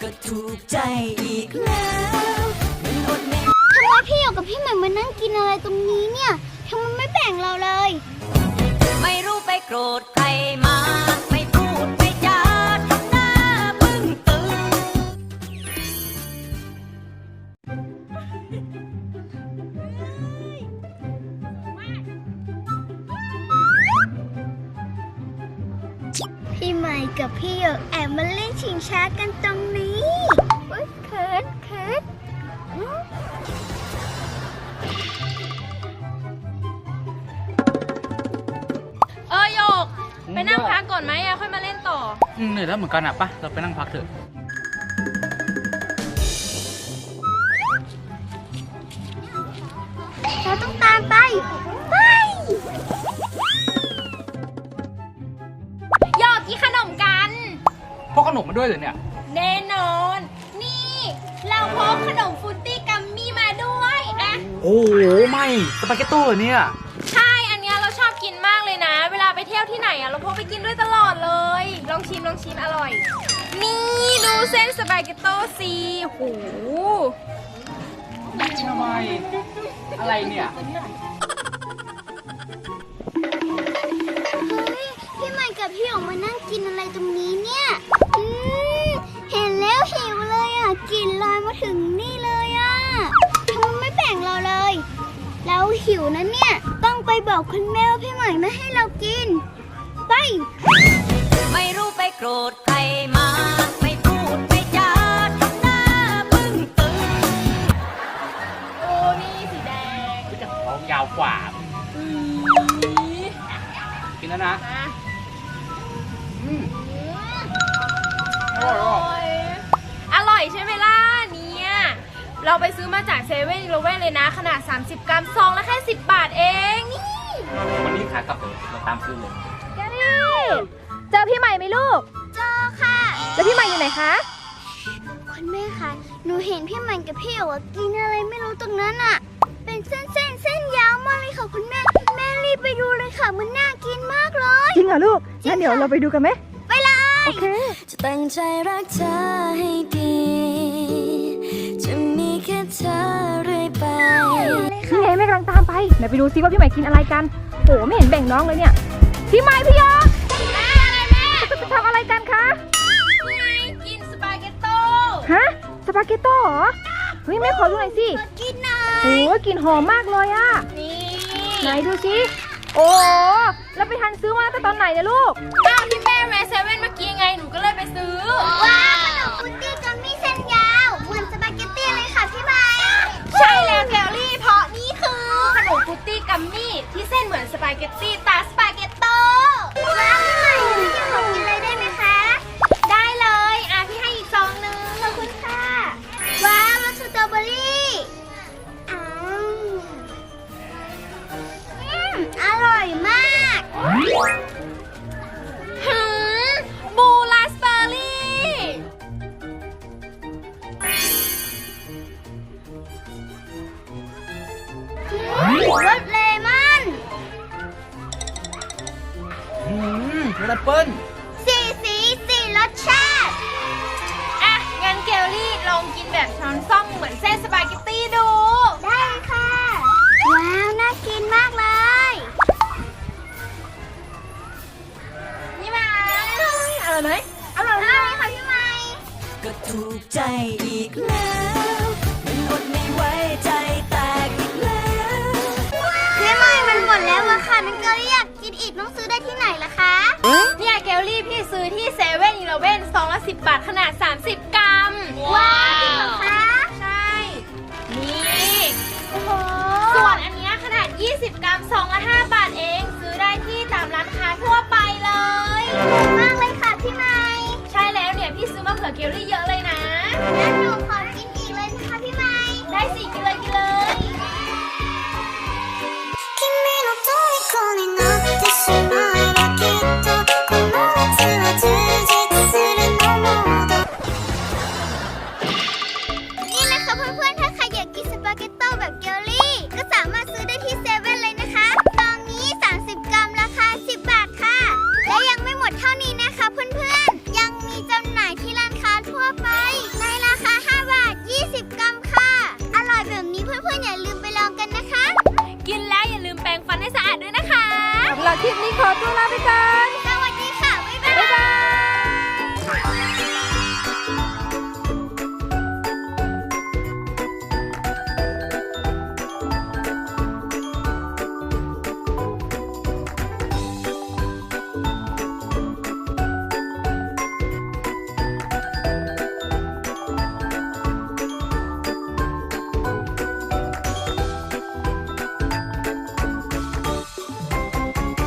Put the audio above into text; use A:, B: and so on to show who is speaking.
A: ก็ถูกใจอีกแล้วมันอดไม่
B: ทำไมพี่หยกกับพี่ใหม่มานั่งกินอะไรตรงนี้เนี่ยทำไมไม่แบ่งเราเลย
A: ไม่รู้ไปโกรธใครมาไม่พูดไม่จาทำหน้าบึ้งตึง
B: พี่ใหม่กับพี่หยกแอบมาเล่นชิงช้ากันตรงนี้เขิน
C: โยกไปนั่งพักก่อนไหมอะค่อยมาเล่นต่อ
D: เหนื่อยแล้วเหมือนกันอ่ะปะเราไปนั่งพักเถอะ
B: เราต้องตามไป
C: โยกกินขนมกัน
D: พกขนมมาด้วยเหรอเนี่ย
C: แน่นอนนี่เราพกขนมฟรุตตี้กัมมี่มาด้วยอะ
D: โอ้โหไม่สปาเกตโต้เหรอเนี่ย
C: ใช่อันเนี้ยเราชอบกินมากเลยนะเวลาไปเที่ยวที่ไหนอะเราพกไปกินด้วยตลอดเลยลองชิมอร่อยนี่ดูเส้นสปาเกตโต้สิโห
D: ทำไมอะไรเนี่ย
B: พี่ใหม่กับพี่หยกมานั่งกินอะไรตรงนี้เนี่ยเห็นแล้วหิวเลยอ่ะกลิ่นลอยมาถึงนี่เลยอ่ะทำไมไม่แบ่งเราเลยเราหิวนะเนี่ยต้องไปบอกคุณแม่ว่าพี่ใหม่ไม่ให้เรากินไป
A: ไม่รู้ไปโกรธใครมาไม่พูดไม่จาทำหน้าบึ้งตึง
C: โอ้นี่สีแดง
D: ก็จะท้องยาวกว่ากินแล้วนะ
C: อร่อยใช่ไหมล่ะเนี่ยเราไปซื้อมาจากเซเว่นอีเลฟเว่นเลยนะขนาด30 กรัมซองละแค่10 บาทเองนี่
D: วันนี้ขากลับเราตามซื้อเลย
C: แกรี่เจอพี่ใหม่ไหมลูก
B: เจอค่ะ
C: แล้วพี่ใหม่อยู่ไหนคะ
B: คุณแม่คะหนูเห็นพี่ใหม่กับพี่หยกกินอะไรไม่รู้ตรงนั้นอ่ะเป็นเส้นยาวมากเลยค่ะคุณแม่รีบไปดูเลยค่ะมันน่ากินมากเลย
C: จริงเหรอลูกงั้นเดี๋ยวเราไปดูกันไหม
B: ไปเลย
C: โอเค
A: จะตั้งใจรักเธอให้ดีจะมีแค่เธอเรื่อยไป
C: นี่ไงแม่กำลังตามไปเดี๋ยวไปดูซิว่าพี่ใหม่กินอะไรกันโอ้ไม่เห็นแบ่งน้องเลยเนี่ยพี่ใหม่พี่ยออะไรแม่จะทำอะไรกันคะกินสปาเกตโต้ฮะสปาเกตโต้เหรอเฮ้ยแม่ขอดูหน่อยสิ
B: กินหน่อย
C: โอ้กลิ่นหอมมากเลยอะนี่ไหนดูสิโอ้แล้วไปทันซื้อมาตั้งแต่ตอนไหนเนี่ยลูกอ้าวที่แม่แวะเซเว่นเมื่อกี้ไงหนูก็เลยไปซื้อ
B: ว้าวขนมฟรุตตี้กัมมี่เส้นยาวเหมือนสปาเกตตี้เลยค่ะพี่ใหม่
C: ใช่แล้วแกลลี่เพราะนี่คือขนมฟรุตตี้กัมมี่ที่เส้นเหมือนสปาเกตตี้ตาสปาเกตโต้
B: ว้าวพี่ใหม่พี่อยากกินเลยได้ไหมคะ
C: ได้เลยพี่ให้อีกซองนึง
B: ขอบคุณค่ะว้าวรสสตรอเบอรี่อร่อยมาก
C: บูราสเบอร์รี่
B: รสเลมอน
D: แอปเปิ้ล
B: สี่รสชาติ
C: งั้นเกลลี่ลองกินแบบช้อนส้อมเหมือนเส้นสปาเกตตี้ดู
B: ได้ค่ะว้าวน่ากินมากเลย
C: นี่มาอร่อยไหมอร่อย
B: ค่ะพี่ใหม่
A: ก็ถูกใจอีกแล้วมันอดไม่ไว้ใจแตกอีกแล้ว
B: พี่ใหม่มันหมดแล้วอะค่ะนังเกลลี่อยากกินอีกต้องซื้อได้ที่ไหนล่ะคะ
C: เนี่ยเกลลี่พี่ซื้อที่เซเว่นอีเลฟเว่นซองละ10 บาทขนาด30 กรัม
B: ว้าวจริงเหรอคะ
C: ใช่นี่ส่วนอันนี้ขนาด20 กรัมซองละ5 บาทเองซื้อได้ที่ตามร้านค้าทั่วไปเลย
B: มากเลยค่ะพี่ใหม่
C: ใช่แล้วเนี่ยพี่ซื้อมาเผื่อเกลลี่เยอะเลยนะ
B: งั้นหนูขอกินอีกเลยนะคะพี่ใหม่
C: ได้สิกินเลย
B: นี่แหละค่ะเพื่อนๆถ้าใครอยากกินสปาเกตโต้แบบเกลลี่ก็สามารถซื้อได้ที่เซเว่นเลยนะคะซองนี้30 กรัมราคา10 บาทค่ะและยังไม่หมดเท่านี้นะคะเพื่อนๆยังมีจำหน่ายที่ร้านค้าทั่วไปใน
C: ำหรับคลิปนี้ขอตัวลาไปก่อน
B: สวัสดีค่ะ บ๊ายบาย
C: บ๊ายบาย